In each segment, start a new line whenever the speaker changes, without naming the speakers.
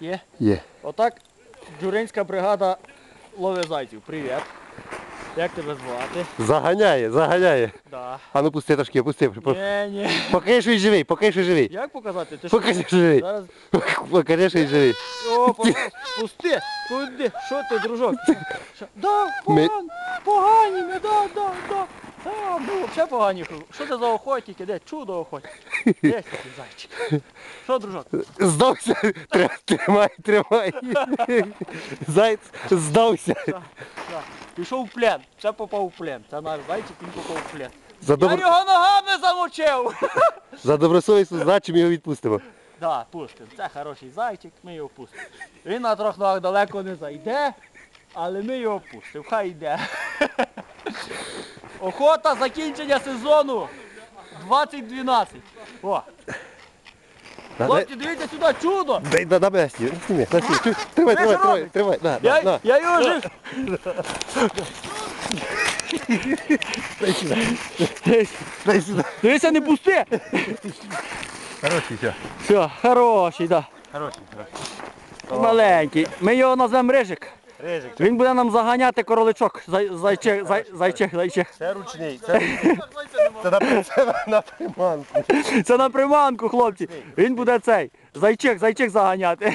Є?
Є.
Отак Джуринська бригада ловить зайців. Привіт. Як тебе звати?
Заганяє, заганяє.
Да.
А ну пусти трошки, пусти.
Ні.
Покажи, що він живий, покажи, що живий.
Як показати? Ти що?
Покажи, що живий.
Зараз...
Покажи, що він живий.
О, пусти. Куди? Що ти, дружок? Да,
Ми-
погані ми, да. Да, ну, взагалі погані. Що це за охотники? Де? Чудо охотник. Де такий зайчик? Що, дружок?
Здався. Тримай. Зайць здався.
Так. Пішов в плен. Це попав в плен. Це наш зайчик, він попав в плен.
За,
Я його ногами замочив.
За добросовісну здачу ми його відпустимо.
Так, пустимо. Це хороший зайчик, ми його пустимо. Він на трьох ногах далеко не зайде, але ми його пустимо. Хай йде. Охота закінчення сезону 2012. О! Хлопці, дивіться сюди, чудо!
Дай мене сніми. Тримай.
Я його жив.
Дай сюди.
Дивися, не пусти!
Хороший, все.
Все, хороший, так.
Хороший.
Маленький. Ми його назвемо Рижик.
Рижик.
Він буде нам заганяти короличок. Зайчих.
Це ручний. Це на приманку.
Це на приманку, хлопці. Він буде цей. Зайчих заганяти.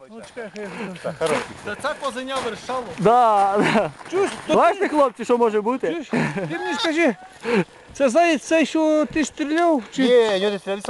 Це козеня вершало.
Да. Бачите, хлопці, що може бути?
Ти мені скажи, це заєць цей, що ти стріляв?
Ні, не стріляй.